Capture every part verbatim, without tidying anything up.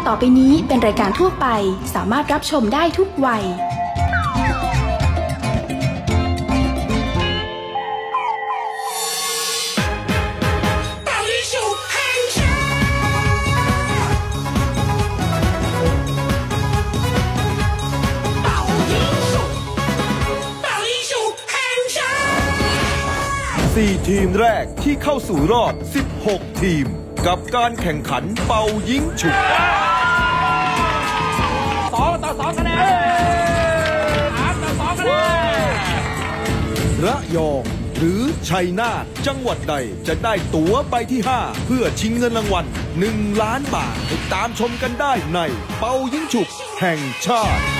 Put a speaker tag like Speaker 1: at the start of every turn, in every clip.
Speaker 1: ต่อไปนี้เป็นรายการทั่วไปสามารถรับชมได้ทุกวัย
Speaker 2: สี่ทีมแรกที่เข้าสู่รอบสิบหกทีมกับการแข่งขันเป่ายิงฉุบ
Speaker 3: สองต่อสองคะแนนสามต่อสองคะแนน
Speaker 2: ระยองหรือชัยนาทจังหวัดใดจะได้ตั๋วใบที่ห้าเพื่อชิงเงินรางวัลหนึ่งล้านบาทติดตามชมกันได้ในเป่ายิงฉุบแห่งชาติ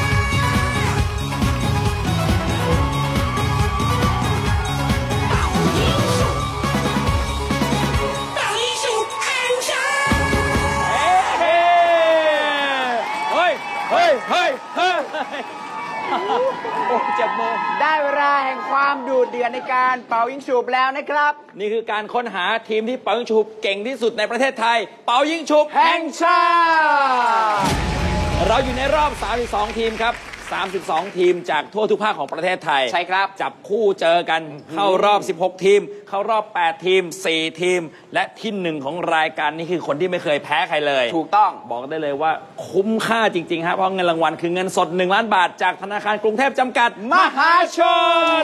Speaker 3: โอ้เจ็บมือ
Speaker 4: ได้เวลาแห่งความดูดเดือดในการเป่ายิงฉุบแล้วนะครับ
Speaker 3: นี่คือการค้นหาทีมที่เป่ายิงฉุบเก่งที่สุดในประเทศไทยเป่ายิงฉุบแห่งชาติเราอยู่ในรอบสามสิบสองทีมครับสามสิบสองทีมจากทั่วทุกภาคของประเทศไทย
Speaker 4: ใช่ครับ
Speaker 3: จับคู่เจอกันเข้ารอบสิบหกทีมเข้ารอบแปดทีมสี่ทีมและที่หนึ่งของรายการนี้คือคนที่ไม่เคยแพ้ใครเลย
Speaker 4: ถูกต้อง
Speaker 3: บอกได้เลยว่าคุ้มค่าจริงๆครับเพราะเงินรางวัลคือเงินสดหนึ่งล้านบาทจากธนาคารกรุงเทพจำกัดมหาชน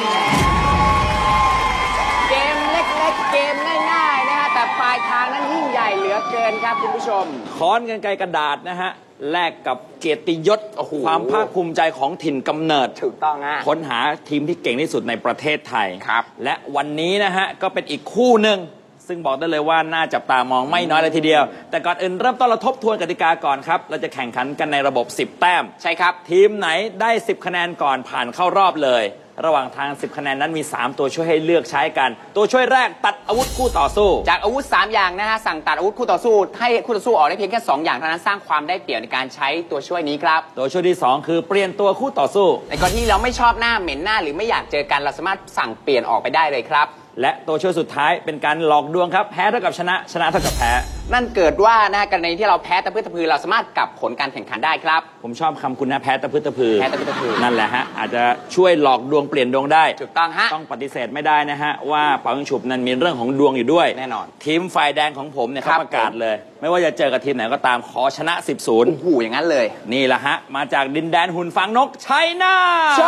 Speaker 4: เกมเล็กๆเกมง่ายๆนะฮะแต่ปลายทางนั้นยิ่งใหญ่เหลือเกินครับคุณผู้ชม
Speaker 3: ค้อนกันไกรกระดาษนะฮะแลกกับเกียรติยศความภาคภูมิใจของถิ่นกำเนิด
Speaker 4: ถูกต้องฮะ
Speaker 3: ค้นหาทีมที่เก่งที่สุดในประเทศไทย
Speaker 4: ครับ
Speaker 3: และวันนี้นะฮะก็เป็นอีกคู่หนึ่งซึ่งบอกได้เลยว่าน่าจับตามองไม่น้อยเลยทีเดียวแต่ก่อนอื่นเริ่มต้นเราทบทวนกติกาก่อนครับเราจะแข่งขันกันในระบบสิบแต้ม
Speaker 4: ใช่ครับ
Speaker 3: ทีมไหนได้สิบคะแนนก่อนผ่านเข้ารอบเลยระหว่างทางสิบคะแนนนั้นมีสามตัวช่วยให้เลือกใช้กันตัวช่วยแรกตัดอาวุธคู่ต่อสู้
Speaker 4: จากอาวุธสามอย่างนะฮะสั่งตัดอาวุธคู่ต่อสู้ให้คู่ต่อสู้ออกได้เพียงแค่สองอย่างเท่านั้นสร้างความได้เปรียบในการใช้ตัวช่วยนี้ครับ
Speaker 3: ตัวช่วยที่สองคือเปลี่ยนตัวคู่ต่อสู้
Speaker 4: ในกรณีที่เราไม่ชอบหน้าเหม็นหน้าหรือไม่อยากเจอกันเราสามารถสั่งเปลี่ยนออกไปได้เลยครับ
Speaker 3: และตัวช่วยสุดท้ายเป็นการหลอกดวงครับแพ้เท่ากับชนะชนะเท่ากับแพ้
Speaker 4: นั่นเกิดว่านะกรณีที่เราแพ้ตะพื้นตะพือเราสามารถกลับผลการแข่งขันได้ครับ
Speaker 3: ผมชอบคำคุณนะแพ้ตะพื้นตะพือ
Speaker 4: แพ้ตะพื้นตะพือ
Speaker 3: นั่นแหละฮะอาจจะช่วยหลอกดวงเปลี่ยนดวงได้
Speaker 4: ถูกต้องฮะ
Speaker 3: ต้องปฏิเสธไม่ได้นะฮะว่าเป่ายิงฉุบนั้นมีเรื่องของดวงอยู่ด้วย
Speaker 4: แน่นอน
Speaker 3: ทีมฝ่ายแดงของผมเนี่ยเขาประกาศเลยไม่ว่าจะเจอกับทีมไหนก็ตามขอชนะสิบศูนย์
Speaker 4: โอ้โหอย่างนั้นเลย
Speaker 3: นี่แหละฮะมาจากดินแดนหุ่นฟางนกชัยนาท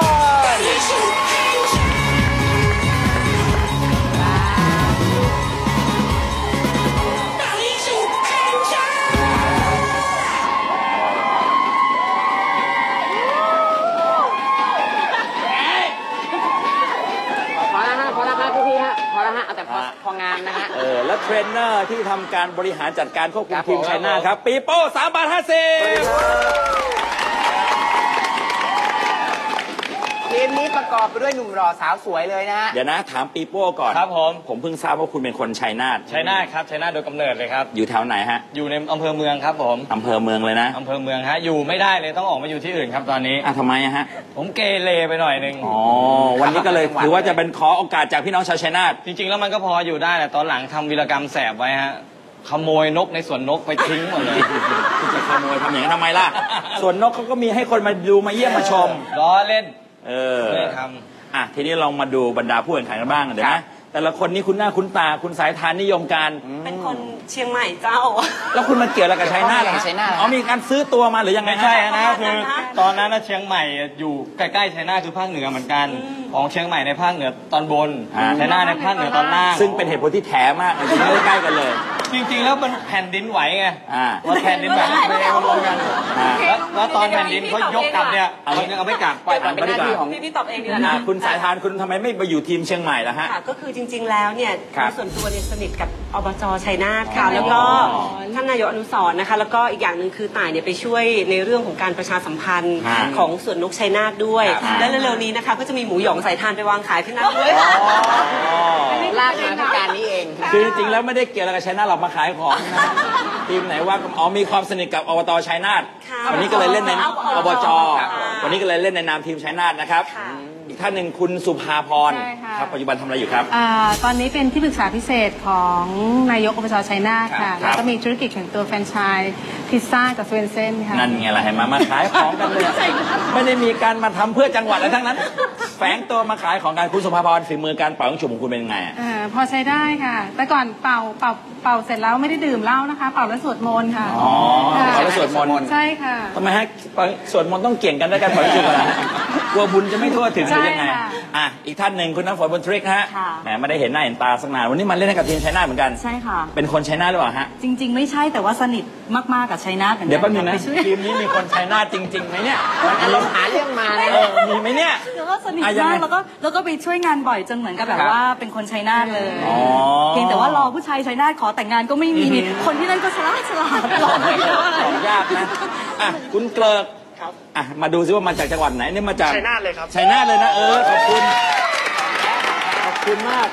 Speaker 4: แต่พองานนะฮะ
Speaker 3: เออแล้วเทรนเนอร์ที่ทำการบริหารจัดการควบคุมทีมชัยนาทครับปีโป้สามบาทห้าสิบ
Speaker 4: ทีมนี้ประกอบไปด้วยหนุ่มหล่อสาวสวยเลยนะฮะ
Speaker 3: เดี๋ยวนะถามปีโป้ก่อน
Speaker 5: ครับผม
Speaker 3: ผมเพิ่งทราบว่าคุณเป็นคนชัยนาท
Speaker 5: ชัยนาทครับชัยนาทโดยกำเนิดเลยครับ
Speaker 3: อยู่แถวไหนฮะ
Speaker 5: อยู่ในอำเภอเมืองครับผม
Speaker 3: อำเภอเมืองเลยนะ
Speaker 5: อำเภอเมืองฮะอยู่ไม่ได้เลยต้องออกมาอยู่ที่อื่นครับตอนนี้
Speaker 3: อ่ะทำไมฮะ
Speaker 5: ผมเกเรไปหน่อยนึง
Speaker 3: อ๋อวันนี้ก็เลยถือว่าจะเป็นขอโอกาสจากพี่น้องชาวชัยนาท
Speaker 5: จริงๆแล้วมันก็พออยู่ได้แต่ตอนหลังทำวีรกรรมแสบไว้ฮะขโมยนกในสวนนกไปทิ้งหมดเลย
Speaker 3: คุณจะขโมยทำอย่างนั้นทำไมล่ะสวนนกเขาก็มีให้คนมาดูมาเยี่ยมมาชม
Speaker 5: ล้อเล่น
Speaker 3: เออ
Speaker 5: ไม่ท
Speaker 3: ำอ่ะทีนี้ลองมาดูบรรดาผู้แข่งขันกันบ้างเดี๋ยวนะแต่ละคนนี่คุณหน้าคุณตาคุณสายทานนิยมการ
Speaker 6: เป็นคนเชียงใหม่เจ้า
Speaker 3: แล้วคุณมาเกี่ยวอะไรกับชัยนาทเหรออ๋อมีการซื้อตัวมาหรือยังไง
Speaker 5: ไม่ใช่นะคือตอนนั้นนะเชียงใหม่อยู่ใกล้ๆชัยนาทคือภาคเหนือเหมือนกันของเชียงใหม่ในภาคเหนือตอนบนชัยนาทในภาคเหนือตอนล่าง
Speaker 3: ซึ่งเป็นเหตุผลที่แถมากจริงๆใกล้กันเลย
Speaker 5: จริงๆแล้วมันแผ่นดินไหวไงว่าแผ่นดินไหว
Speaker 6: ไม่
Speaker 5: ได้รวมกันแล้วตอนแผ่นดินเขายกกลับเนี่ยเอาเอาไม่กลับ
Speaker 4: ปล่อยเป็นหน้าที่ของ
Speaker 6: พี่ตอบเองดีแล้วนะ
Speaker 3: คุณสายทานคุณทำไมไม่ไปอยู่ทีมเชียงใหม่ล่ะฮะ
Speaker 6: ก็คือจริงๆแล้วเนี่ยส่วนตัวเนี่ยสนิทกับอบจ.ชัยนาทค่ะแล้วก็ท่านนายกอนุสรณ์นะคะแล้วก็อีกอย่างหนึ่งคือต่ายเนี่ยไปช่วยในเรื่องของการประชาสัมพันธ์ของสวนนกชัยนาทด้วยและเร็วๆนี้นะคะก็จะมีหมูหยองสายทานไปวางขายที่นั่นด้วย
Speaker 4: ลากมาที่การนี้เอง
Speaker 3: คือจริงๆแล้วไม่ได้เกี่ยวอะไรกับชัยนาทหรอกมาขายของทีมไหนว่าอ๋อมีความสนิทกับอบต.ชัยนาทวันนี้ก็เลยเล่นในอบจ.วันนี้ก็เลยเล่นในนามทีมชัยนาทนะครับอีกท่านหนึ่งคุณสุภาพร
Speaker 7: ใช่ค่ะ
Speaker 3: ครับปัจจุบันทำอะไรอยู่ครับ
Speaker 7: อ่าตอนนี้เป็นที่ปรึกษาพิเศษของนายกอบจชัยนาทค่ะ
Speaker 3: ครับ
Speaker 7: แล้วก็มีธุรกิจของตัวแฟรนไชส์พิซซ่ากับสเวนเซนค่ะ
Speaker 3: นั่นไงล่ะเห็นไหมมาขายของกันเลยไม่ได้มีการมาทำเพื่อจังหวัดอะไรทั้งนั้น แฝงตัวมาขายของกันคุณสุภาพรฝีมือการเป่ายิงฉุบของคุณเป็นยังไงอะ
Speaker 7: อ่าพอใช้ได้ค่ะ แต่ก่อนเป่าเป่าเป่าเสร็จแล้วไม่ได้ดื่มเหล้านะคะ เป่าแล้วสวดมนต์ค่ะ
Speaker 3: อ๋อ
Speaker 7: ค่ะ
Speaker 3: เป่าแล้วสวดมนต์
Speaker 7: ใช่ค่ะ
Speaker 3: ทำไมฮะสวดมนต์ต้องเกี่ยงกันด้วยกันเป่ายิงฉุบนะกลัวบุญจะไม่ทั่วถึงหรือยังไง
Speaker 7: ใช่ค่ะ
Speaker 3: อ่ะอีกท่านหนึ่งคุณน้ำฝนบนทริกฮะ
Speaker 8: ค่ะ
Speaker 3: แหมไม่ได้เห็นหน้าเห็นตาสักนานวันนี้มาเล่นให้กับทีมชัยนาทเหมือนกัน
Speaker 8: ใช่ค่ะ
Speaker 3: เป็นคนชัยนาทหรือเปล่าฮะ
Speaker 8: จริง ๆ ไม่ใช่แต่ว่าสนิทมากๆกับชัยนาทเหมือนกั
Speaker 3: เดี๋ยวแป๊บนึงนะ
Speaker 8: ไปช่วย
Speaker 3: ทีมนี้มีคนชัยนาทจริงๆไหมเนี่ย
Speaker 4: อารมณ์หาเรื่องมาเลย
Speaker 3: เออมีไหมเนี่ย
Speaker 8: แล้วก็สนิท
Speaker 3: อ่ะยัง
Speaker 8: มา
Speaker 3: ไง
Speaker 8: กแล้วก็แล้วก็ไปช่วยงานบ่อยจนเหมือนกับแบบ
Speaker 3: ครับ
Speaker 8: ว่าเป็นคนชัยนาทเลย
Speaker 3: อ๋อ
Speaker 8: เพียงแต่ว่ารอผู้ชายชัยนาทขอแต่งงานก็ไม่มีคนที่นั่นก็ฉลาดฉลาดรอไม่ได้ว่าอะไร
Speaker 3: ของยากนะอ่ะคุณเกลิกอ่ะมาดูซิว่ามาจากจังหวัดไหนเนี่ยมาจาก
Speaker 9: ชัยนาทเลยครับ
Speaker 3: ชัยนาทเลยนะเออขอบคุณขอบคุณมาก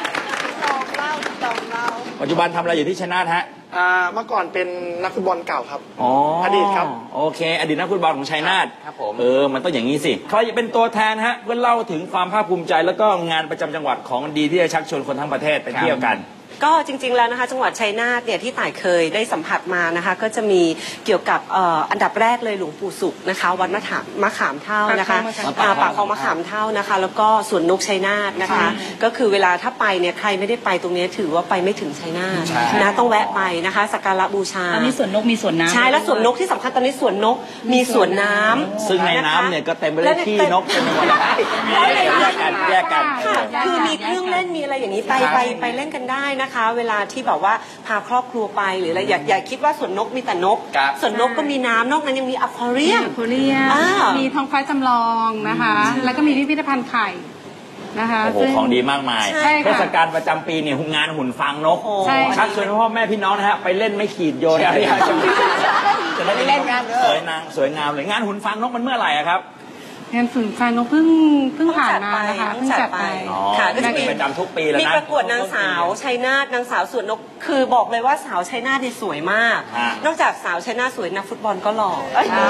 Speaker 3: ปัจจุบันทำอะไรอยู่ที่ชัยนาทฮะ
Speaker 9: อ่าเมื่อก่อนเป็นนักฟุตบอลเก่าครับ
Speaker 3: อ๋อ
Speaker 9: อดีตครับ
Speaker 3: โอเค อดีตนักฟุตบอลของชัยนาท
Speaker 4: ครับผม
Speaker 3: เออมันต้องอย่างนี้สิใครจะเป็นตัวแทนฮะเพื่อเล่าถึงความภาคภูมิใจแล้วก็งานประจำจังหวัดของดีที่จะชักชวนคนทั้งประเทศไปเที่ยวกัน
Speaker 6: ก็จริงๆแล้วนะคะจังหวัดชัยนาทเนี่ยที่ต่ายเคยได้สัมผัสมานะคะก็จะมีเกี่ยวกับเอ่ออันดับแรกเลยหลวงปู่ศุกร์นะคะวัดมะขามมะขามเท่านะคะ
Speaker 3: ปากคลองมะขาม
Speaker 6: อ่าปากคลองมะขามเท่านะคะ แล้วก็สวนนกชัยนาทนะคะ ก็คือเวลาถ้าไปเนี่ยใครไม่ได้ไปตรงนี้ถือว่าไปไม่ถึงชัยนาทนะต้องแวะไปนะคะสักการะบูชา
Speaker 8: ตอนนี้สวนนกมีสวนน้ำ
Speaker 6: ใช่แล้วสวนนกที่สำคัญตอนนี้สวนนกมีสวนน้ำ
Speaker 3: ซึ่งในน้ำเนี่ยก็เต็มไปด้วยขี้นกเต็มไปหมดแยกกันแยกกัน
Speaker 6: ค่ะคือมีเครื่องเล่นมีอะไรอย่างนี้ไปไปไปเล่นกันได้นะคะ เวลาที่แบบว่าพาครอบครัวไปหรืออะไรอย่าอย่าคิดว่าสวนนกมีแต่นก
Speaker 3: ครับ
Speaker 6: สวนนกก็มีน้ำนอกนั้นยังมีอควาเรียม
Speaker 7: โคเรีย
Speaker 6: อ่ามี
Speaker 7: มีท้องฟ้าจำลองนะคะ แล้วก็มีพิพิธภัณฑ์ไข่นะคะ
Speaker 3: โอ้โห
Speaker 7: ซึ่
Speaker 3: ของดีมากมาย
Speaker 7: ใช่ค่ะ
Speaker 3: เทศกาลประจำปีเนี่ยงานหุ่นฟางนก
Speaker 7: ใช่ค่ะ
Speaker 3: ชักชวนพ่อแม่พี่น้องนะฮะไปเล่นไม่ขีดโยนอะไรอย่างเงี้ยจะได้เล่นกันสวยนางสวยงามเลยงานหุ่นฟางนกมันเมื่อไหร่อะครับ
Speaker 7: งานฝืนแฟนนกเพิ่งเพิ่งผ่านมานะคะ
Speaker 6: เพิ่
Speaker 7: เพิ่
Speaker 6: ง
Speaker 7: ง
Speaker 6: จั
Speaker 7: จั
Speaker 6: ด
Speaker 7: ด
Speaker 6: ไป
Speaker 7: ไป
Speaker 3: อ๋อ
Speaker 6: ค่ะก็จะ
Speaker 3: เป็นประจำทุกปีแล้วนะ
Speaker 6: มีประกวดนางสาวชัยนาทนางสาวสวนนกคือบอกเลยว่าสาวชัยนาทเนี่ยสวยมาก
Speaker 3: ฮะ
Speaker 6: นอกจากสาวชัยนาทสวยนักฟุตบอลก็หล่อเอ้ย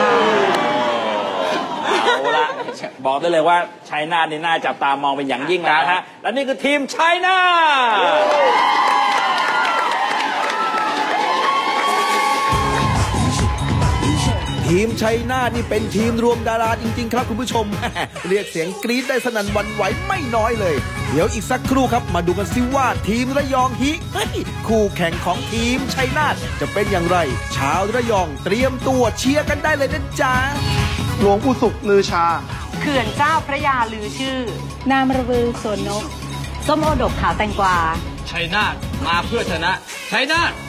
Speaker 3: เอาละบอกได้เลยว่าชัยนาทนี่น่าจับตามองเป็นอย่างยิ่งแล้วนะฮะและนี่คือทีมชัยนาท
Speaker 2: ทีมชัยนาทนี่เป็นทีมรวมดาราจริงๆครับคุณผู้ชม เรียกเสียงกรี๊ดได้สนั่นหวันไหวไม่น้อยเลย เดี๋ยวอีกสักครู่ครับมาดูกันซิว่าทีมระยองฮิเฮ้ยคู่แข่งของทีมชัยนาทจะเป็นอย่างไร ชาวระยองเตรียมตัวเชียร์กันได้เลยนะจ๊ะ
Speaker 9: หลวงปู่ศุกร์ลือชา
Speaker 6: เขื่อนเจ้าพระยาลือชื่อ
Speaker 7: นามระบือสวนนก
Speaker 8: ส้มโอดกขาวแตงกวา
Speaker 3: ชัยนาทมาเพื่อชนะชัยนาท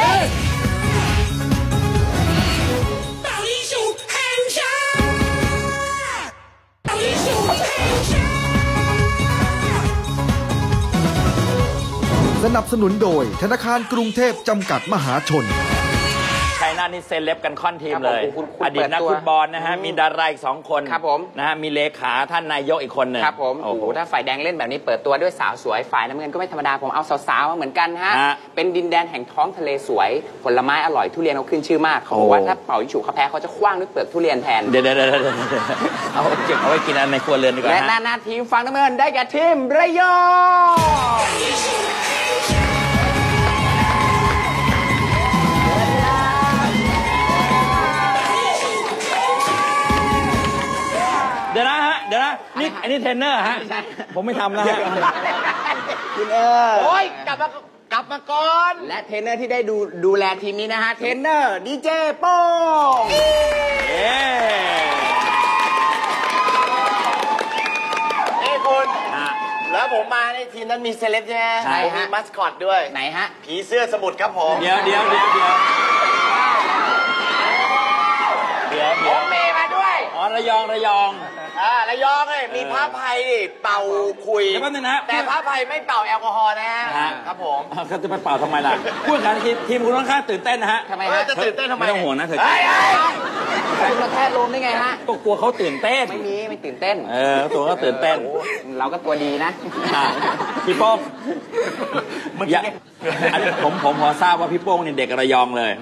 Speaker 2: สนับสนุนโดยธนาคารกรุงเทพจำกัดมหาชน
Speaker 3: ชัยนาทนี่เซเลบกันค่อนทีมเลย
Speaker 4: ครับผมคุณคุณ
Speaker 3: อดีตนัก
Speaker 4: เปิดตัว
Speaker 3: ฟุตบอลนะฮะมีดาราอีกสองคน
Speaker 4: ครับผม
Speaker 3: นะฮะมีเลขาท่านนายกอีกคนหนึ่ง
Speaker 4: ครับผมโอ้โหถ้าฝ่ายแดงเล่นแบบนี้เปิดตัวด้วยสาวสวยฝ่ายน้ำเงินก็ไม่ธรรมดาผมเอาสาวๆมาเหมือนกันฮะ
Speaker 3: ฮะ
Speaker 4: เป็นดินแดนแห่งท้องทะเลสวย ผลไม้อร่อยทุเรียนเขาขึ้นชื่อมากเขาบอก
Speaker 3: โอ้
Speaker 4: ว่าถ้าเป่ายิงฉุบเขาแพ้เขาจะคว้างด้วยเปลือกทุเรียนแทน
Speaker 3: เดี๋ยวเดี๋ยวเดี๋ยวเดี๋ยวเอาเก็บเอาไว้กินอันในครัวเรือนดีกว่า
Speaker 4: และหน้า
Speaker 3: ฮะ
Speaker 4: หน้าทีมฝั่งน้ำเงินได้แก่ทีมระยอง
Speaker 3: เดี๋ยวนะฮะเดี๋ยวนะนี่อันนี้เทรนเนอร์ฮะผมไม่ทำแล้วฮะ
Speaker 4: คุณเออโอ้ยกลับมากลับมาก่อนและเทรนเนอร์ที่ได้ดูดูแลทีมนี้นะฮะเทรนเนอร์ดีเจโป้ง
Speaker 3: เย้
Speaker 9: เอ้คุณ
Speaker 3: ฮะ
Speaker 9: แล้วผมมาในทีมนั้นมีเซเลบใช่ไหม
Speaker 3: ใช่ฮะ
Speaker 9: มีมัสคอตด้วย
Speaker 4: ไหนฮะ
Speaker 9: ผีเสื้อสมุทรครับผม
Speaker 3: เดี๋ยวเดี๋ยวเดี๋ยวเดี๋ยวเดี๋ยว
Speaker 9: ผ
Speaker 3: เดี๋ยว
Speaker 9: มมีมาด้วย
Speaker 3: อ๋อระยองระยอง
Speaker 9: อ่าระยองเลยมีพระภัยดิเป่าคุย
Speaker 3: เดี๋ยวแป๊บนึงนะ
Speaker 9: แต่พระภัยไม่เป่าแอลกอฮอล์นะฮะ
Speaker 3: ฮะ
Speaker 9: ครับผม
Speaker 3: อ้าวเขาจะไปเป่าทำไมล่ะพูดกันทีมทีมคุณค่อนข้างตื่นเต้นนะฮะ
Speaker 4: ทำไม
Speaker 9: เออ
Speaker 4: ฮะ
Speaker 9: จะตื่นเต้นทำไม
Speaker 3: ไม่ต้องห่วงนะเธอ
Speaker 9: เฮ้ยเฮ้ย
Speaker 4: คุณมาแทษลมได้ไงฮะ
Speaker 3: ก็กลัวเขาตื่นเต้น
Speaker 4: ไม่มีไม่ตื่นเต้น
Speaker 3: เออตัวก็ตื่นเต้น
Speaker 4: โอ้เราก็ตัวดีนะ
Speaker 3: อ่ะพี่โป้งอย่าอันนี้ผมผมพอทราบว่าพี่โป้งเนี่ยเด็กระยองเลย
Speaker 9: ผ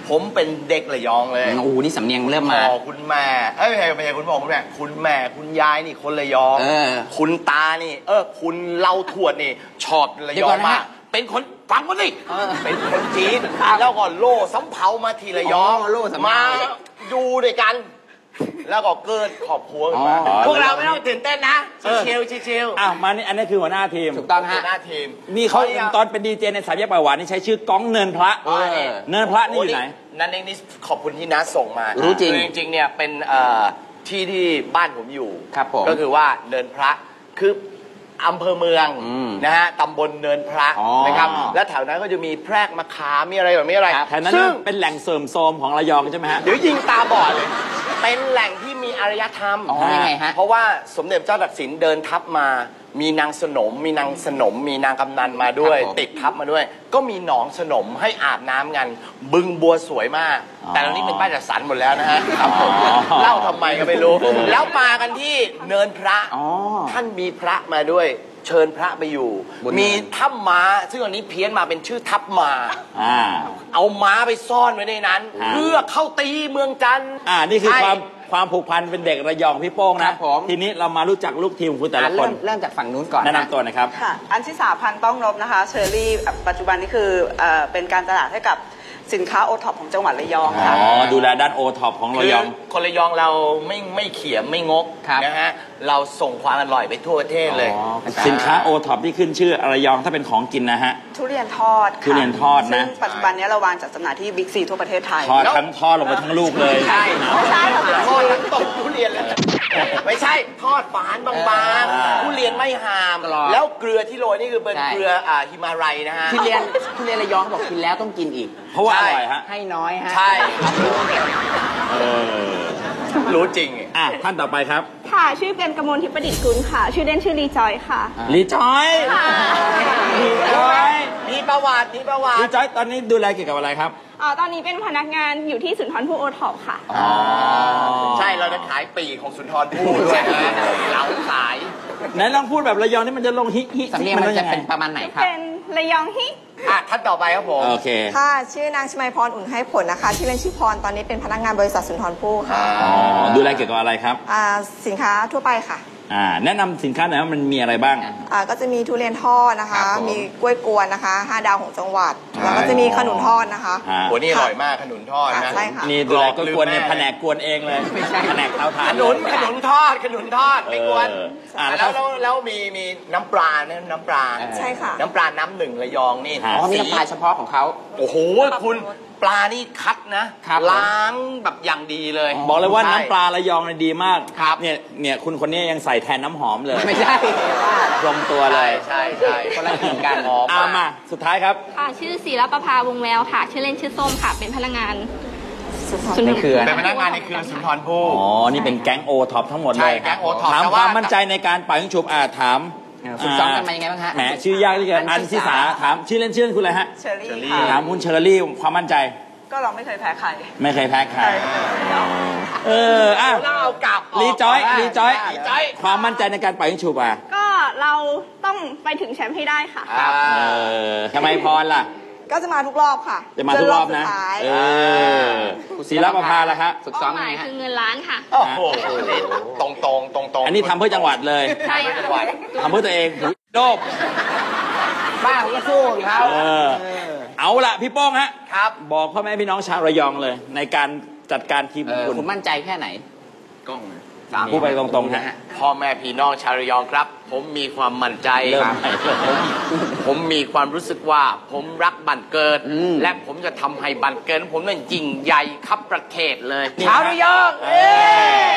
Speaker 9: ผมเป็นเด็กระยองเลย
Speaker 4: โอ้โหนี่สำเนียงเริ่มมา
Speaker 9: พ่อคุณแม่เอ้ยไม่ใช่ไม่ใช่คุณพ่อคุณแม่คุณแม่คุณยายนี่คนระยอง
Speaker 4: เออ
Speaker 9: คุณตานี่ เออคุณเล่าทวดนี่ชอบระยองมากเป็นคนฟังก่อนสิเป็นคนจีนแล้วก็โล่สำเภามาทีระยอง
Speaker 4: โล่สำเภา
Speaker 9: มาอยู่ด้วยกัน แล้วก็เกิดครอบครัวขึ้นมาพวกเราไม่ต้องตื่นเต้นนะชิลๆชิล
Speaker 3: อ้าวมานี่อันนี้คือหัวหน้าทีม
Speaker 4: ถูกต้อง
Speaker 9: ๆ
Speaker 4: ฮะ
Speaker 9: หน้าทีม
Speaker 3: นี่เขาตอนเป็นดีเจในสามแยกปากหวานนี่ใช้ชื่อก้องเนินพระ
Speaker 9: เออ
Speaker 3: เนินพระนี่อยู่ไหน
Speaker 9: นั่นเองนี่ขอบคุณที่น้าส่งมา
Speaker 4: รู้
Speaker 9: รู้
Speaker 4: จริง
Speaker 9: จริงๆเนี่ยเป็นเอ่อที่ที่บ้านผมอยู่
Speaker 4: ครับผม
Speaker 9: ก็คือว่าเนินพระคืออำเภอเมือง
Speaker 4: อืม
Speaker 9: นะฮะตำบลเนินพระ
Speaker 3: อ๋อ
Speaker 9: นะครับและแถวนั้นก็จะมีแพรกมะขามมีอะไรแบบนี้อะไร
Speaker 3: แถวนั้น
Speaker 9: ซึ่ง
Speaker 3: เป็นแหล่งเสริมโทรมของระยองใช่ไหมฮะ
Speaker 9: เดี๋ยวยิงตาบอดเลยเป็นแหล่งที่มีอารยธรรม
Speaker 4: อ๋อยังไงฮะ
Speaker 9: เพราะว่าสมเด็จเจ้าตักสินเดินทัพมา มีนางสนม มีนางสนม มีนางกำนันมาด้วย
Speaker 4: ครับผม
Speaker 9: ติดทัพมาด้วย ก็มีหนองสนมให้อาบน้ำกัน บึงบัวสวยมาก
Speaker 3: อ๋อ
Speaker 9: แต่ตอนนี้เป็นบ้านจัดสรรหมดแล้วนะฮะครับผม
Speaker 3: อ๋อ
Speaker 9: เล่าทำไมก็ไม่รู้ แล้วมากันที่เนินพระ
Speaker 4: อ๋อ
Speaker 9: ท่านมีพระมาด้วย เชิญพระไปอยู่
Speaker 4: บนเนิน
Speaker 9: มีถ้ำม้า ซึ่งอันนี้เพี้ยนมาเป็นชื่อทับม้า
Speaker 3: อ่า
Speaker 9: เอาม้าไปซ่อนไว้ในนั้น
Speaker 3: ฮะ
Speaker 9: เพื่อเข้าตีเมืองจันทร์
Speaker 3: อ่านี่คือ
Speaker 9: ใช่
Speaker 3: ความความผูกพันเป็นเด็กระยองพี่โป้ง
Speaker 4: ครั
Speaker 3: นะ
Speaker 4: บผม
Speaker 3: ทีนี้เรามารู้จักลูกทีมของคุณแต่
Speaker 4: อ่ะ
Speaker 3: ละค
Speaker 4: เริ่
Speaker 3: น
Speaker 4: มเริ่มจากฝั่งนู้นก่อน
Speaker 3: แนะนำตัวหน่อยครับ
Speaker 10: ค่ะ อันที่สาพันธ์ต้องนบนะคะ เชอรี่ ปัจจุบันนี้คือเอ่อเป็นการตลาดให้กับสินค้าโอท็อปของจังหวัดระยอง
Speaker 3: อ๋
Speaker 10: ค่ะ
Speaker 3: อ ดูแลด้านโอท็อปของระยอง
Speaker 9: คือคนระยองเราไม่ไม่เขียมไม่งก
Speaker 4: ครับ
Speaker 9: นะฮะเราส่งความอร่อยไปทั่วประเทศเลย
Speaker 3: อ๋อสินค้าโอท็อปที่ขึ้นชื่อระยองถ้าเป็นของกินนะฮะ
Speaker 10: ทุเรียนทอดค่ะ
Speaker 3: ทุเรียนทอดนะ
Speaker 10: ซึ่งปัจจุบันนี้เราวางจัดจำหน่ายที่บิ๊กซีทั่วประเทศไทย
Speaker 3: ทอดทั้งทอดลงไปทั้งลูกเลย
Speaker 9: ใช่
Speaker 10: ไม่ใช่ค่ะ
Speaker 9: ทอดทั้งต้นทุเรียนเลยไม่ใช่ทอดฝานบาง
Speaker 3: อ่า
Speaker 9: ๆทุเรียนไม่หาม
Speaker 4: กรอบ
Speaker 9: แล้วเกลือที่โรยนี่คือเป็น
Speaker 4: ใช่
Speaker 9: เกลืออ่าฮิมาลัยนะฮะ
Speaker 4: ทุเรียนทุเรียนระยองบอกกินแล้วต้องกินอีก
Speaker 3: เพราะว่าอร่อยฮะ
Speaker 4: ให้น้อยฮะ
Speaker 9: ใช่ครับ
Speaker 3: เออ
Speaker 9: รู้จริง
Speaker 3: อ่ะท่านต่อไปครับ
Speaker 11: ค่ะ ชื่อเป็นกมลทิพย์ประดิษฐ์กุลค่ะ ชื่อเล่นชื่อรีจอยค่ะ
Speaker 3: ลีจอยลีจอย
Speaker 9: มีประวัติมีประวัติ
Speaker 3: ลีจอยตอนนี้ดูแลเกี่ยวกับอะไรครับ
Speaker 11: อ๋อ ตอนนี้เป็นพนักงานอยู่ที่สุนทรภู่โอท็อปค่ะ
Speaker 3: อ๋อ
Speaker 9: ใช่เราจะขายปีกของสุนทรภู่ด้วยนะเราขาย
Speaker 3: ไหนลองพูดแบบระยองนี่มันจะลงฮิฮิ
Speaker 4: สำเนียงมัน
Speaker 3: ต้อ
Speaker 4: จะ
Speaker 3: งไง
Speaker 4: เป็นประมาณไหนครับ
Speaker 11: เป็นระยองฮิ
Speaker 9: อ่ะท่านต่อไปครับผม
Speaker 3: โอเค
Speaker 10: ค่ะ ชื่อนางชมัยพรอุ่นให้ผลนะคะ ชื่อเล่นชื่อพร ตอนนี้เป็นพนักงานบริษัทสุนทรภู่ค่ะ
Speaker 3: อ๋อ ดูแลเกี่ยวกับอะไรครับ
Speaker 10: อ่าสินค้าทั่วไปค่ะ
Speaker 3: อ่า แนะนำสินค้าหน่อยว่ามันมีอะไรบ้าง
Speaker 10: อ่าก็จะมีทุเรียนทอดนะคะ
Speaker 9: ครับผม
Speaker 10: มีกล้วยกวนนะคะห้าดาวของจังหวัด แล้วก็จะมีขนุนทอดนะคะ
Speaker 3: อ่า
Speaker 9: โหนี่อร่อยมากขนุนทอด
Speaker 10: ค่ะ
Speaker 9: นะ
Speaker 10: ใช่ค่ะ
Speaker 3: นี่ดูแลก็กวนเนี่ยแผนกกวนเองเลย
Speaker 4: ไม่ใช่
Speaker 3: แผนกเตาถ่า
Speaker 9: ข
Speaker 3: น
Speaker 9: นุนขนุนทอดขนุนทอดไม่กวน
Speaker 3: เอออ่ะ
Speaker 9: แล้
Speaker 3: แล้ว ว
Speaker 9: แล้วแล้วมีมีน้ำปลานะน้ำปลา
Speaker 10: ใช่ค่ะ
Speaker 9: น้ำปลาน้ำหนึ่งระยองนี่
Speaker 3: ฮะ
Speaker 4: อ๋อมีน้ำปลาเฉพาะของเขา
Speaker 9: โอ้โหคุณปลานี่คัดนะครับ ล้างแบบอย่างดีเลย
Speaker 3: บอกเลยว่า
Speaker 9: ใช่
Speaker 3: น้ำปลาระยองเนี่ยดีมาก
Speaker 9: ครับ
Speaker 3: เนี่ย เนี่ยคุณคนนี้ยังใส่แทนน้ำหอมเลย
Speaker 4: ไม่ใช่
Speaker 3: ลงตัวเลย
Speaker 9: ใช่ใช่
Speaker 4: คนละกลิ่นกัน
Speaker 9: หอม
Speaker 3: เอามา สุดท้ายครับ
Speaker 11: ค่ะ ชื่อศิรประภาวงแววค่ะ ชื่อเล่นชื่อส้มค่ะ เป็นพนักงานสุนท
Speaker 4: ใน
Speaker 11: ร
Speaker 4: เครือ
Speaker 9: เป็นพนักงานในเครือสุนทรภู่
Speaker 3: อ๋อ นี่เป็นแก๊งโอท็อปทั้งหมดเลย
Speaker 9: ใช่แก๊ง O-Top
Speaker 3: ถาม
Speaker 9: แต่
Speaker 3: ค
Speaker 9: ว่า
Speaker 3: วามมั่นใจในการปล่อยยิงฉุบอ่าถาม
Speaker 4: เออฝึกซ้อมกันมายังไงบ้างฮะ
Speaker 3: แหมชื่อยากที่เกิน
Speaker 4: อั
Speaker 3: อั
Speaker 4: น
Speaker 3: น
Speaker 4: ที่
Speaker 3: ที่สา
Speaker 4: สาม
Speaker 3: ถามชื่อเล่นชื่อเล่นคุณอะไรฮะ
Speaker 10: เชอรี่ค่ะ
Speaker 3: ถามคุณเชอรี่ความมั่นใจ
Speaker 10: ก็เราไม่เคยแพ้ใคร
Speaker 3: ไม่เคยแพ้ใครเอออ่ะ
Speaker 9: เราเอากลับ
Speaker 3: รีจอยรีจอย
Speaker 9: รีจอย
Speaker 3: ความมั่นใจในการปล่อยยิงฉุบอ่ะ
Speaker 11: ก็เราต้องไปถึงแชมป์ให้ได้ค่ะ
Speaker 9: ครับ
Speaker 3: เออทำไมพรล่ะ
Speaker 10: ก็จะมาทุกรอบค่ะ
Speaker 3: จะมาทุกรอบนะ
Speaker 10: จสุดท้าย
Speaker 3: เออศิลปภาล่ะครับ
Speaker 4: ฝึกซ้อมยังไงฮะ
Speaker 11: คือเงินล้านค่ะ
Speaker 9: โอ้โหนี่ตรงตรงตรงตรง
Speaker 3: อันนี้ทำเพื่อจังหวัดเลย
Speaker 11: ใช่
Speaker 9: เพื่อ
Speaker 11: ค่ะ
Speaker 9: จังหวัด
Speaker 3: ทำเพื่อตัวเองโดบ
Speaker 4: บ้าเขาก็สู้ของเขา
Speaker 3: เออ เอาละพี่โป้งฮะ
Speaker 9: ครับ
Speaker 3: บอกพ่อแม่พี่น้องชาวระยองเลย ในการจัดการทีม
Speaker 4: เออ
Speaker 3: คุณ
Speaker 4: คุณมั่นใจแค่ไหน
Speaker 9: กล้อง
Speaker 3: พูดไปตรงๆนะฮะ
Speaker 9: พ่อแม่พี่น้องชาวระยองครับ ผมมีความมั่นใจ
Speaker 3: เริ่ม
Speaker 9: ครับ
Speaker 3: ใหม่เลย
Speaker 9: ผมมีความรู้สึกว่าผมรักบันเกิด
Speaker 4: อืม
Speaker 9: และผมจะทำให้บันเกิดของผมนั้นยิ่งใหญ่ครับประเทศเลย
Speaker 3: นี่
Speaker 9: ชาวระยอง
Speaker 3: เออ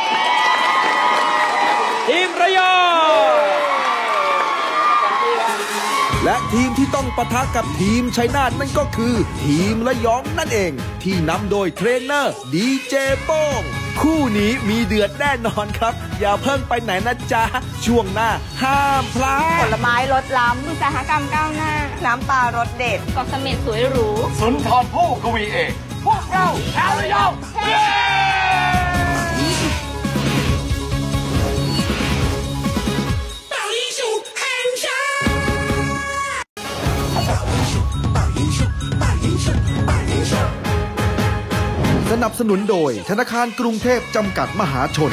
Speaker 3: ทีมระยอง
Speaker 2: และทีมที่ต้องปะทะกับทีมชัยนาทนั่นก็คือ ทีมระยองนั่นเอง ที่นำโดยเทรนเนอร์ดีเจโป้งคู่นี้มีเดือดแน่นอนครับ อย่าเพิ่งไปไหนนะจ๊ะ ช่วงหน้าห้ามพลา
Speaker 10: ผ
Speaker 2: ด
Speaker 10: ลไม้รสล้ำ
Speaker 11: อุตสาหกรรมก้าวหน้า
Speaker 10: น้ำปลารสเด็ด
Speaker 11: เกาะเสม็ดสวยหรู
Speaker 9: สุนทรภู่กวีเอกพวกเราชาวระยอง
Speaker 2: นับสนุนโดยธนาคารกรุงเทพจำกัดมหาชน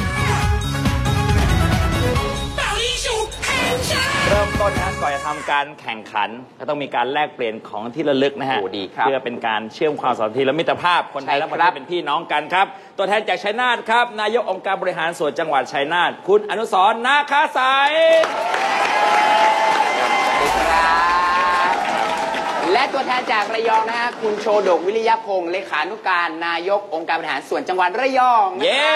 Speaker 3: เริ่มต้นนะก่อนจะทำการแข่งขันก็ต้องมีการแลกเปลี่ยนของที่ระลึกนะฮะเพื่อเป็นการเชื่อมความสัมพันธ์และมิตรภาพคนไทยและประเทศเป็นพี่น้องกันครับตัวแทนจากชัยนาทครับนายกองค์การบริหารส่วนจังหวัดชัยนาทคุณอนุสรณ์ นาคาสาย
Speaker 4: และตัวแทนจากระยองนะฮะคุณโชดกวิริยพงศ์เลขานุการนายกองค์การบริหารส่วนจังหวัดระยอง
Speaker 3: เย้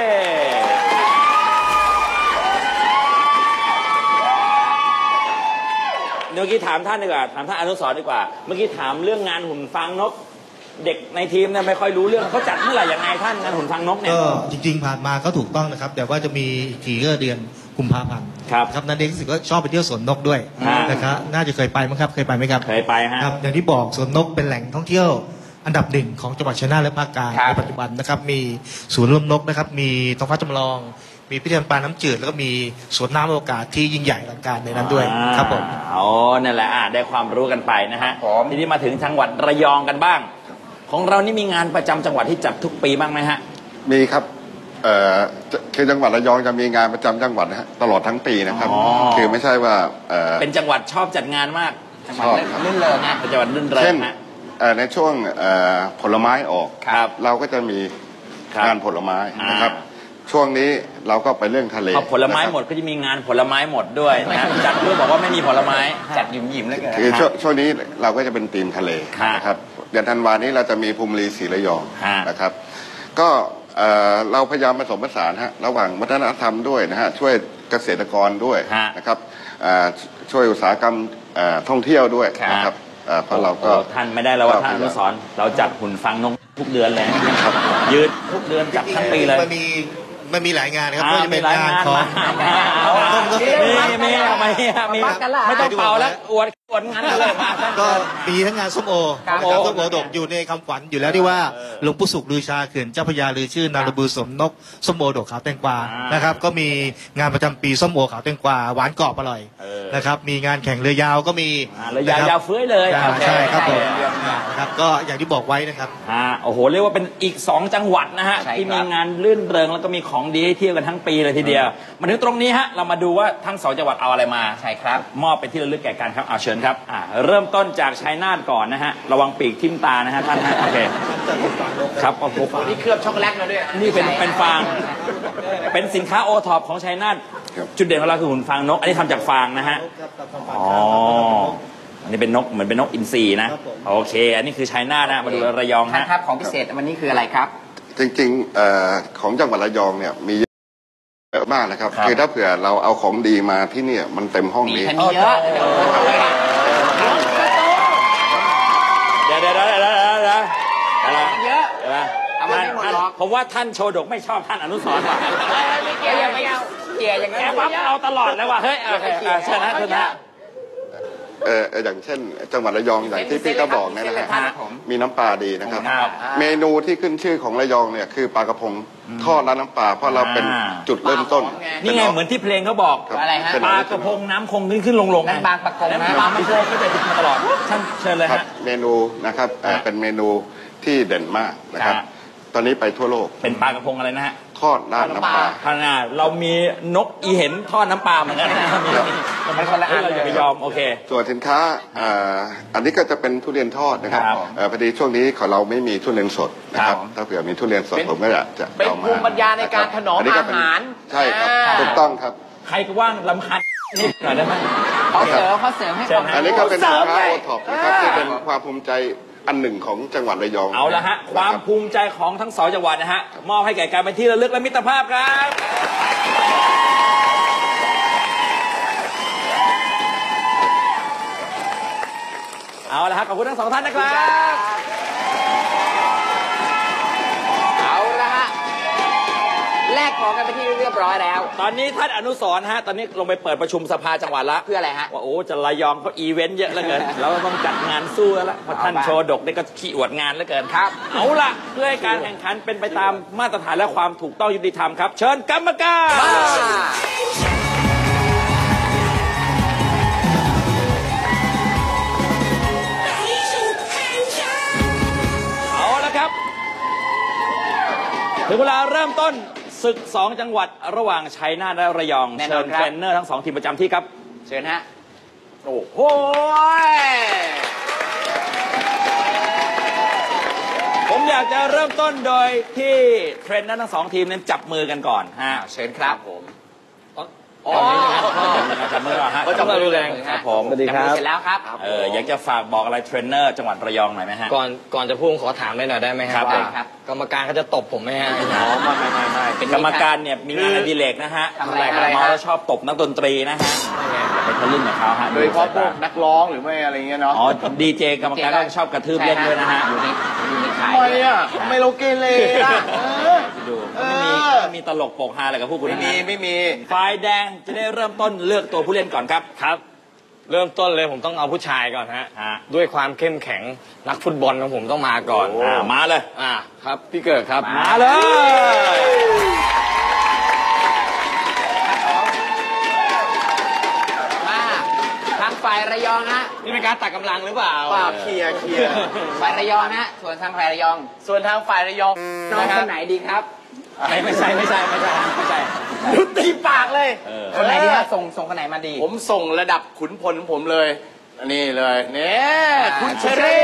Speaker 3: เมื่อกี้ถามท่านดีกว่าถามท่านอนุสรณ์ดีกว่าเมื่อกี้ถามเรื่องงานหุ่นฟางนกเด็กในทีมเนี่ยไม่ค่อยรู้เรื่องเขาจัดเมื่อไหร่ยังไงท่านงานหุ่นฟางนกเนี่ย
Speaker 12: ก็จริงๆผ่านมาก็ถูกต้องนะครับแต่ว่าจะมีทีก็เดือนกุมภาพันธ์
Speaker 3: ครับ
Speaker 12: ครับนั่นเองรู้สึกว่าชอบไปเที่ยวสวนนกด้วยนะครับน่าจะเคยไปมั้งครับเคยไปไหมครับ
Speaker 3: เคยไปฮะ
Speaker 12: ครับอย่างที่บอกสวนนกเป็นแหล่งท่องเที่ยวอันดับหนึ่งของจังหวัดชัยนาทและภาคกลางในปัจจุบันนะครับมีศูนย์รวมนกนะครับมีท้องฟ้าจำลองมีพิพิธภัณฑ์ปลาน้ำจืดแล้วก็มีสวนน้ำอวกาศที่ยิ่งใหญ่อลังการในนั้นด้วยครับผม
Speaker 3: อ๋อนั่นแหละได้ความรู้กันไปนะฮะทีนี้มาถึงจังหวัดระยองกันบ้างของเรานี่มีงานประจำจังหวัดที่จัดทุกปีบ้างไหมฮะ
Speaker 13: มีครับเอ่อคือจังหวัดระยองจะมีงานประจำจังหวัดนะฮะตลอดทั้งปีนะครับคือไม่ใช่ว่าเอ่อ
Speaker 3: เป็นจังหวัดชอบจัดงานมาก
Speaker 13: ชอบ
Speaker 3: รื่นเริงนะเป็นจังหวัดรื่นเริงนะ
Speaker 13: ในช่วงผลไม้ออกเราก็จะมีงานผลไม้นะครับช่วงนี้เราก็ไปเรื่องทะเล
Speaker 3: พอผลไม้หมดก็จะมีงานผลไม้หมดด้วยนะจัดเพื่อบอกว่าไม่มีผลไม้จัดหยิมหยิมเลยกัน
Speaker 13: คือช่วงนี้เราก็จะเป็นธีมทะเลนะครับเดือนธันวานี้เราจะมีภูมิลีศรีระยองนะครับก็เราพยายามผสมผสานฮะระหว่างวัฒนธรรมด้วยนะฮะช่วยเกษตรกรด้วยนะครับช่วยอุตสาหกรรมท่องเที่ยวด้วยนะครับเพราะเราก็
Speaker 3: ท่านไม่ได้แล้วว่าท่านอนุสรณ์เราจัดหุ่นฟางนกทุกเดือนเลยยืดทุกเดือนจัดทั้งปีเลย
Speaker 12: มันมีมันมีหลายงานครับก็จะเป็นงานของ
Speaker 3: มีมีไม่มีไม่ต้องเป่าแล้วอวดอวดงานเลย
Speaker 12: ก็มีทั้งงานส้มโอนะครับส้มโอดกอยู่ในคำขวัญอยู่แล้วที่ว่าหลวงปู่สุขลือชาเขื่อนเจ้าพระยาลือชื่อนารบือสมนกส้มโอดกขาวแตงกวานะครับก็มีงานประจำปีส้มโอขาวแตงกวาหวานกรอบอร่อยนะครับมีงานแข่งเรือยาวก็มี
Speaker 3: เรือยาวยาวเฟ้ยเลย
Speaker 12: ใช่ครับผมครับก็อย่างที่บอกไว้นะครับ
Speaker 3: อ่าโอ้โหเรียกว่าเป็นอีกสองจังหวัดนะฮะที่มีงานลื่นเริงแล้วก็มีของดีให้เที่ยวกันทั้งปีเลยทีเดียวมาถึงตรงนี้ฮะเรามาดูว่าทั้งสองจังหวัดเอาอะไรมา
Speaker 4: ใช่ครับ
Speaker 3: มอบเป็นที่ระลึกแก่กันครับเอาเชิญครับอ่าเริ่มต้นจากชัยนาทก่อนนะฮะระวังปีกทิ่มตานะฮะท่านฮะโอเคครับโอ้โห
Speaker 4: นี่เคลือบช็อกโกแลตมาด้วย
Speaker 3: นี่เป็นเป็นฟางเป็นสินค้าโอท็อปของชัยนาทจุดเด่นของเราคือหุ่นฟางนกอันนี้ทำจากฟางนะฮะอ๋ออันนี้เป็นนกเหมือนเป็นนกอินทรีนะโอเคอันนี้คือชัยนาทนะมาดูระยองฮะ
Speaker 4: ครับของพิเศษวันนี้คืออะไรครับ
Speaker 13: จริงๆของจังหวัดระยองเนี่ยมีเยอะมากนะครับคือถ้าเผื่อเราเอาของดีมาที่นี่มันเต็มห้องนี้
Speaker 4: มีเยอะ
Speaker 3: เดี๋ยวเดี๋ยวเดี๋ยวเดี๋ยวเดี๋ยวอะไรเยอะท่านผมว่าท่านโชดกไม่ชอบท่านอนุสรณ์ว่ะ
Speaker 4: ไม่เกี่ยวไม่เอาเกี่ยวอย่างนั้น
Speaker 3: แกปั๊บเราตลอดเลยว่ะเฮ้ยเชิญนะเชิญนะ
Speaker 13: เอออย่างเช่นจังหวัดระยองอย่างที่พี่ก็บอกเนี่ยนะฮะมีน้ำปลาดีนะครับเมนูที่ขึ้นชื่อของระยองเนี่ยคือปลากระพงทอดและน้ำปลาเพราะเราเป็นจุดเริ่มต้น
Speaker 3: นี่ไงเหมือนที่เพลงเขาบอก
Speaker 4: อะไรฮะ
Speaker 3: ปลากระพงน้ำคงขึ้นขึ้นลงลง
Speaker 4: บางปลากงนะ
Speaker 3: บางไม่เคยไม่เคยติดมาตลอดท่านเชิญเลยฮะ
Speaker 13: เมนูนะครับเป็นเมนูที่เด่นมากนะครับตอนนี้ไปทั่วโลก
Speaker 3: เป็นปลากระพงอะไรนะฮะ
Speaker 13: ทอดราดน้ำปลา
Speaker 3: ขนาดเรามีนกอีเห็นทอดน้ำปลาเหมือนกันมันคนละอันเราอย่าไปยอมโอเค
Speaker 13: ส่วนสินค้าอันนี้ก็จะเป็นทุเรียนทอดนะครับพอดีช่วงนี้ของเราไม่มีทุเรียนสดนะครับถ้าเผื่อมีทุเรียนสดผมก็อยากจะ
Speaker 4: เป็นภูมิปัญญาในการถนอมอาหาร
Speaker 13: ใช่ครับถูกต้องครับ
Speaker 3: ใครก็ว่างลำคัญนี่หน่อยได้ไหม
Speaker 4: เขาเสริมเขาเสริมให้ความ
Speaker 13: อันนี้ก็เป็นสินค้าโอท็อปนะครับที่เป็นความภูมิใจอันหนึ่งของจังหวัดระยอง
Speaker 3: เอาละฮะความภูมิใจของทั้งสองจังหวัดนะฮะมอบให้แก่การเป็นที่ระลึกและมิตรภาพครับเอาละฮะขอบคุณทั้งสองท่านนะครับ
Speaker 4: เอาละฮะแลกของกันไปที่เรียบร้อยแล้ว
Speaker 3: ตอนนี้ท่านอนุสรณ์ฮะตอนนี้ลงไปเปิดประชุมสภาจังหวัดละ
Speaker 4: เพื่ออะไรฮะ
Speaker 3: ว่าโอ้จะระยองเขาอีเวนต์เยอะเหลือเกินเราต้องจัดงานสู้แล้วเพราะท่านโชดกนี่ก็ขี้อวดงานเหลือเกิน
Speaker 4: ครับ
Speaker 3: เอาละเพื่อให้การแข่งขันเป็นไปตามมาตรฐานและความถูกต้องยุติธรรมครับเชิญกรรมการเอาละครับถึงเวลาเริ่มต้นศึกสองจังหวัดระหว่างชัยนาทและระยองเชิญเทรนเนอร์ทั้งสองทีมประจำที่ครับเชิญฮะโอ้โหผมอยากจะเริ่มต้นโดยที่เทรนเนอร์ทั้งสองทีมนั้นจับมือกันก่อนฮะเชิญครับผมอ๋อจับมือก่อนฮะจับมือแรงครับผมสวัสดีครับเสร็จแล้วครับเอออยากจะฝากบอกอะไรเทรนเนอร์จังหวัดระยองหน่อยไหมฮะ
Speaker 5: ก่อนก่อนจะพูดขอถามได้หน่อยได้ไหมครับกรรมการเขาจะตบผมไหมฮะ
Speaker 3: อ๋อไม่ไม่ไม่เป็นกรรมการเนี่ยมีงานอดิเรกนะฮะทำอะไรอะไรมาแล้วชอบตบนักดนตรีนะฮะอย่าไปทะลึ่งกับเขาฮะ
Speaker 9: โดยเฉพาะพวกนักร้องหรือไม่อะไรเงี้ยเนาะ
Speaker 3: อ๋อดีเจกรรมการก็ชอบกระทืบเล่นด้วยนะฮะอยู่ในอยู่ในขาย
Speaker 9: ทำไมอ่ะทำไมเราเกเรล่ะ
Speaker 3: ดูไม่มีไม่มีตลกโปกฮาอะไรกับพวกคุณ
Speaker 9: ไม่มีไม่มี
Speaker 3: ฝ่ายแดงจะได้เริ่มต้นเลือกตัวผู้เล่นก่อนครับ
Speaker 5: ครับเริ่มต้นเลยผมต้องเอาผู้ชายก่อนฮะด้วยความเข้มแข็งนักฟุตบอลของผมต้องมาก่อน
Speaker 3: อ่ามาเลย
Speaker 5: อ่าครับพี่เกิดครับ
Speaker 3: มาเลย
Speaker 4: มาทางฝ่ายระยองฮะ
Speaker 5: นี่เป็นการตัดกำลังหรือเปล่า
Speaker 9: ป่าเคลียร์เคลียร์
Speaker 4: ฝ่ายระยองฮะส่วนทางฝ่ายระยอง
Speaker 9: ส่วนทางฝ่ายระยอง
Speaker 4: น้องคนไหนดีครับ
Speaker 3: ไม่ไม่ใช่ไม่ใช่ไม่ใช่ไม่ใช่
Speaker 9: ยุติปากเลย
Speaker 4: คนไหนดีครับส่งส่งคนไหนมาดี
Speaker 9: ผมส่งระดับขุนพลของผมเลยนี่เลยเนี่ยคุณเชอรี่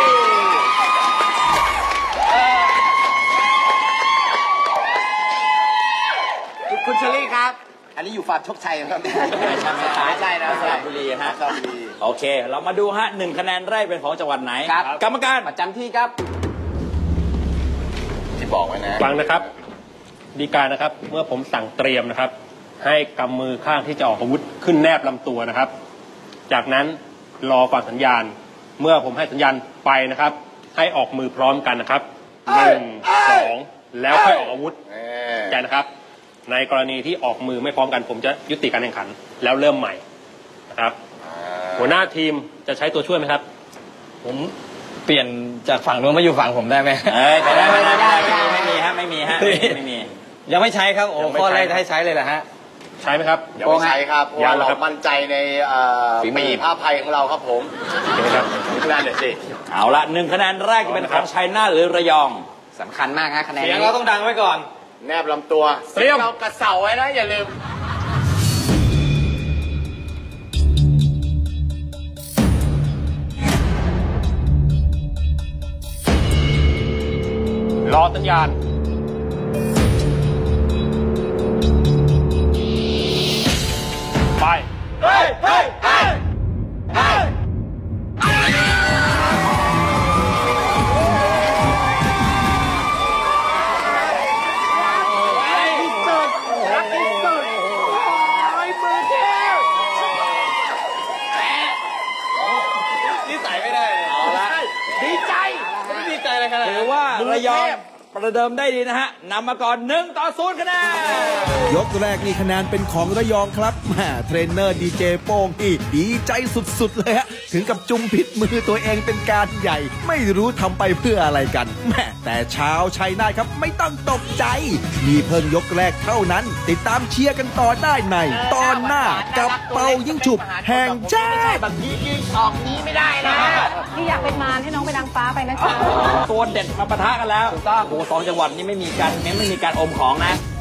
Speaker 9: คุณเชอรี่ครับอันนี้อยู่ฟาร์มโชคชัยครับ
Speaker 3: ไม่ใช่ไม่ใช่
Speaker 9: ใช่นะ
Speaker 3: สระบุรีฮะโอเคเรามาดูฮะหนึ่งคะแนนแรกเป็นของจังหวัดไหนกรรมการ
Speaker 4: ประจำที่ครับ
Speaker 9: ที่บอกไว้นะ
Speaker 14: ฟังนะครับดีการนะครับเมื่อผมสั่งเตรียมนะครับให้กำมือข้างที่จะออกอาวุธขึ้นแนบลำตัวนะครับจากนั้นรอฟังสัญญาณเมื่อผมให้สัญญาณไปนะครับให้ออกมือพร้อมกันนะครับหนึ่งสองแล้วค่อยออกอาวุธแกนะครับในกรณีที่ออกมือไม่พร้อมกันผมจะยุติการแข่งขันแล้วเริ่มใหม่นะครับหัวหน้าทีมจะใช้ตัวช่วยไหมครับ
Speaker 5: ผมเปลี่ยนจากฝั่งนู้นมาอยู่ฝั่งผมได้ไหม
Speaker 3: ไม่ได้ไม่ได้ไม่มีฮะไม่มีฮะไม่มี
Speaker 5: ยังไม่ใช้ครับโอ้ข้อแรกให้ใช้เลยเหรอฮะ
Speaker 14: ใช้ไหมครับ
Speaker 9: ยังไม่ใช้ครับเพราะว่าเรามั่นใจในปีผ้าภัยของเราครับผม
Speaker 3: ครับ
Speaker 9: นั่นเดี๋ยวสิ
Speaker 3: เอาละหนึ่งคะแนนแรกจะเป็นของชัยนาทหรือระยอง
Speaker 4: สำคัญมากฮะคะแนน
Speaker 5: เสียงเราต้องดังไว้ก่อน
Speaker 9: แนบลำตัวเสียงเรากระเสาไว้นะอย่าลืม
Speaker 14: รอสัญญาณไปเฮ้ยเฮ้ยเฮ้ยเฮ้ย
Speaker 5: นี่ใส่ไม่ได้เลย
Speaker 3: เอาละ
Speaker 9: ดีใจ
Speaker 5: ไม่ดีใจเลยครับ
Speaker 3: ถือว่าระยองประเดิมได้ดีนะฮะนำมาก่อนหนึ่งต่อศูนย์คะแนน
Speaker 2: ยกแรกนี่คะแนนเป็นของระยองครับแหมเทรนเนอร์ดีเจโป้งนี่ดีใจสุดๆเลยฮะถึงกับจุ่มพิษมือตัวเองเป็นการใหญ่ไม่รู้ทำไปเพื่ออะไรกันแหมแต่ชาวชัยนาทครับไม่ต้องตกใจมีเพิ่งยกแรกเท่านั้นติดตามเชียร์กันต่อได้ในตอนหน้ากับเปายิ่งฉุบแห่งชาติ
Speaker 4: แบบนี้ยิงออกนี้ไม่ได้นะ
Speaker 8: ที่อยากเป็นมารให้น้องเป็นนางฟ้าไปนะจ๊ะ
Speaker 3: ตัวเด็ดมาปะทะกันแล้วถูกต้องโอ้สองจังหวัดนี้ไม่มีการไม่มีการอมของนะ